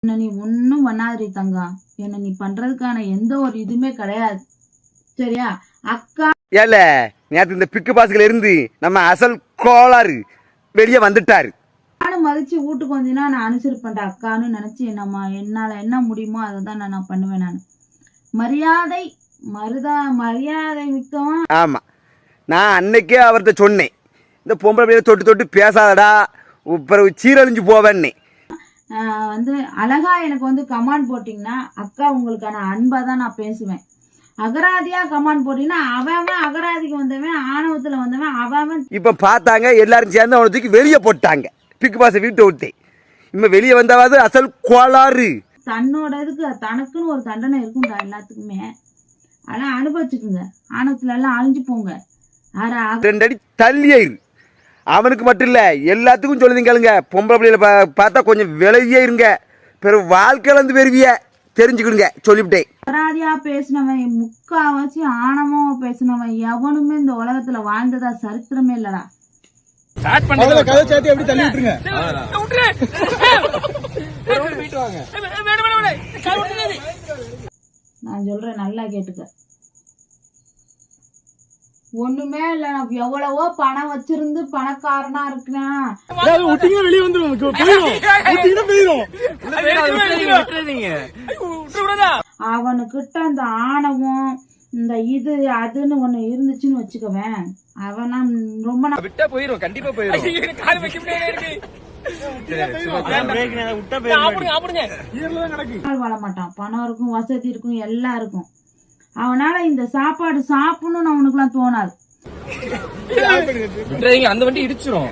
என்ன நீ ஒன்னும் பண்ணாதீ தங்கம். என்ன நீ பண்றதுக்கான எந்த ஒரு இதுமே கிடையாது. சரியா அக்கா? ஏல நேத்து இந்த பிக்கு பாஸ்ல இருந்து நம்ம அசல் கோளாறு வெளியே வந்துட்டாரு. நானும் மதிச்சு வீட்டுக்கு வந்தீங்கன்னா நான் அனுசரிப்பேன் அக்கான்னு நினைச்சு என்னம்மா என்னால என்ன முடியுமோ அதை தான் நான் பண்ணுவேன். நான் மரியாதை மரியாதை மிக்கவா. ஆமா, நான் அன்னைக்கே அவர்கிட்ட சொன்னேன், இந்த பொம்பளை பிள்ளைய தொட்டு தொட்டு பேசாதடா, பிறகு சீரழிஞ்சு போவேன்னே. வந்து அழகா எனக்கு வந்து கமாண்ட் போட்டீங்கன்னா அக்கா உங்களுக்கான அன்பா தான் நான் பேசுவேன். அகராதியா கமாண்ட் போட்டீங்கன்னா அவன் அகராதிக்கு வந்தவன், ஆணவத்துல வந்தவன் அவன். இப்ப பார்த்தாங்க எல்லாரும் சேர்ந்து அவனை தூக்கி வெளியே போட்டாங்க, பிக்கு பாச வீட்டை விட்டு. இப்ப வெளியே வந்தாவது அசல் கோளாறு. தன்னோட இதுக்கு தனக்குன்னு ஒரு தண்டனை இருக்கும்டா எல்லாத்துக்குமே. ஆனா அனுபவிச்சுக்குங்க, ஆணவத்துல எல்லாம் அழிஞ்சு போங்க. 2 அடி தள்ளியாயிரு. அவனுக்கு மட்டும் இல்ல எல்லாத்துக்கும் சொல்லுதீங்க, பொம்பளை பிள்ளைல பார்த்தா கொஞ்சம் விலகியே இருங்க, பிறகு வாழ்க்கையில இருந்து பெருவிய தெரிஞ்சுக்கிடுங்க சொல்லிவிட்டேன். அகராதியா பேசினவன், முக்காவாசி ஆணவமா பேசினவன் எவனுமே இந்த உலகத்துல வாழ்ந்ததா சரித்திரமே இல்லடா. நான் சொல்றேன் நல்லா கேட்டுக்க. ஒண்ணுமே இல்ல, நான் எவ்வளவோ பணம் வச்சிருந்து பணக்காரனா இருக்கிறேன். அவனுக்கிட்ட அந்த ஆணவம் இந்த இது அதுன்னு ஒண்ணு இருந்துச்சுன்னு வச்சுக்கவேன், அவனா ரொம்ப விட்டா போயிரும், கண்டிப்பா போயிரும். வாழ மாட்டான். பணம் இருக்கும், வசதி இருக்கும், எல்லாம் இருக்கும். அவனால இந்த சாப்பாடு சாப்பிடணும்னு அவனுக்கு எல்லாம் தோணாது. அந்த வண்டி இடிச்சிரும்.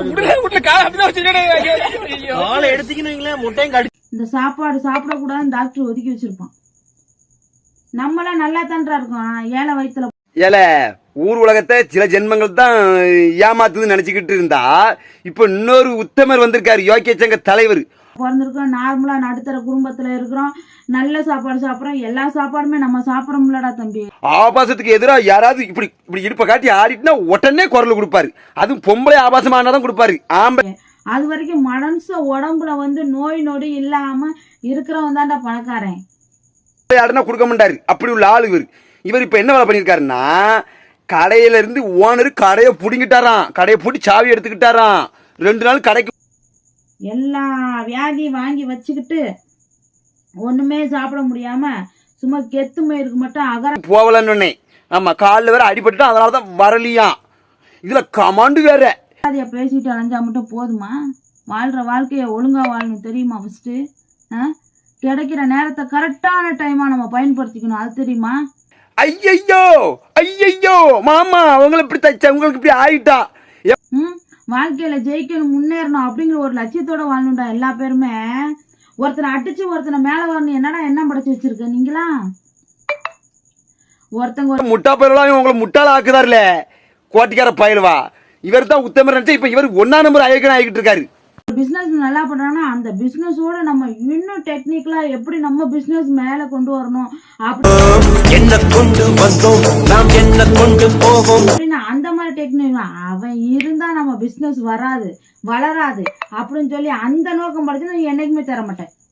இந்த சாப்பாடு சாப்பிட கூடாதுன்னு டாக்டர் ஒதுக்கி வச்சிருப்பான். நம்மளாம் நல்லா தான்றா இருக்கோம் ஏழை வயிற்றுல. ஏல ஊர் உலகத்தை சில ஜென்மங்கள் தான் ஏமாத்துதுன்னு நினைச்சுக்கிட்டு இருந்தா, இப்ப இன்னொரு உத்தமர் வந்திருக்காரு, யோக்கிய சங்க தலைவர். பிறந்திருக்கோம், நார்மலா நடுத்தர குடும்பத்துல இருக்கிறோம், நல்ல சாப்பாடு சாப்பிடறோம், எல்லா சாப்பாடுமே நம்ம சாப்பிடறோம்லடா தம்பி. ஆபாசத்துக்கு எதிராக யாராவது இப்படி இப்படி இடுப்ப காட்டி ஆடிட்டுனா உடனே குரல் கொடுப்பாரு. அதுவும் பொம்பளை ஆபாசமானதான் கொடுப்பாரு. ஆம்பளை அது வரைக்கும் மனச உடம்புல வந்து நோய் நொடி இல்லாம இருக்கிறவன் தான்டா பணக்காரன். ஆடுனா கொடுக்க மாட்டாரு, அப்படி உள்ள ஆளு இவர். இவர் இப்ப என்ன வேலை பண்ணிருக்காருன்னா, கடையில இருந்து ஓனர் கடையை புடிங்கிட்டாராம், கடையை பூட்டி சாவி எடுத்துக்கிட்டாராம். 2 நாள் கடைக்கு எல்லா வியாதியும் வாங்கி வச்சுக்கிட்டு ஒண்ணுமே சாப்பிட முடியாம சும்மா கெத்து மயிருக்கு மட்டும் அகர போகலன்னு. ஆமா, காலில் வேற அடிபட்டு, அதனாலதான் வரலியாம். இதுல கமாண்டு வேற. அதைய பேசிட்டு அலைஞ்சா மட்டும் போதுமா? வாழ்ற வாழ்க்கைய ஒழுங்கா வாழணும் தெரியுமா? ஃபர்ஸ்ட் கிடைக்கிற நேரத்தை கரெக்டான டைமா நம்ம பயன்படுத்திக்கணும், அது தெரியுமா? ஐயையோ ஐயையோ மாமா, அவங்களை இப்படி தச்ச உங்களுக்கு இப்படி ஆயிட்டா. வாழ்க்கையில ஜெயிக்கணும், முன்னேறணும் அப்படிங்கிற ஒரு லட்சியத்தோட வாழணும்டா எல்லா பேருமே. ஒருத்தனை அடிச்சு ஒருத்தனை மேல வரணும், என்னடா என்ன படைச்சு வச்சிருக்க நீங்களா? ஒருத்தங்க முட்டா பயிரெல்லாம் உங்களை முட்டாள ஆக்குதாருல, கோட்டிக்கார பயில்வா. இவர் தான் உத்தமர் நினைச்சா இப்ப இவர் 1ஆம் நம்பர் ஐயக்கன் ஆகிட்டு இருக்காரு. பிசினஸ் நல்லா பண்றாங்கன்னா அந்த பிசினஸோட நம்ம இன்னும் டெக்னிக்கலா எப்படி நம்ம பிசினஸ் மேல கொண்டு வரணும் அப்படின்னு அந்த மாதிரி டெக்னிக் அவன் இருந்தா நம்ம பிசினஸ் வராது, வளராது அப்படின்னு சொல்லி அந்த நோக்கம் படுத்தி நான் என்னைக்குமே தர மாட்டேன்.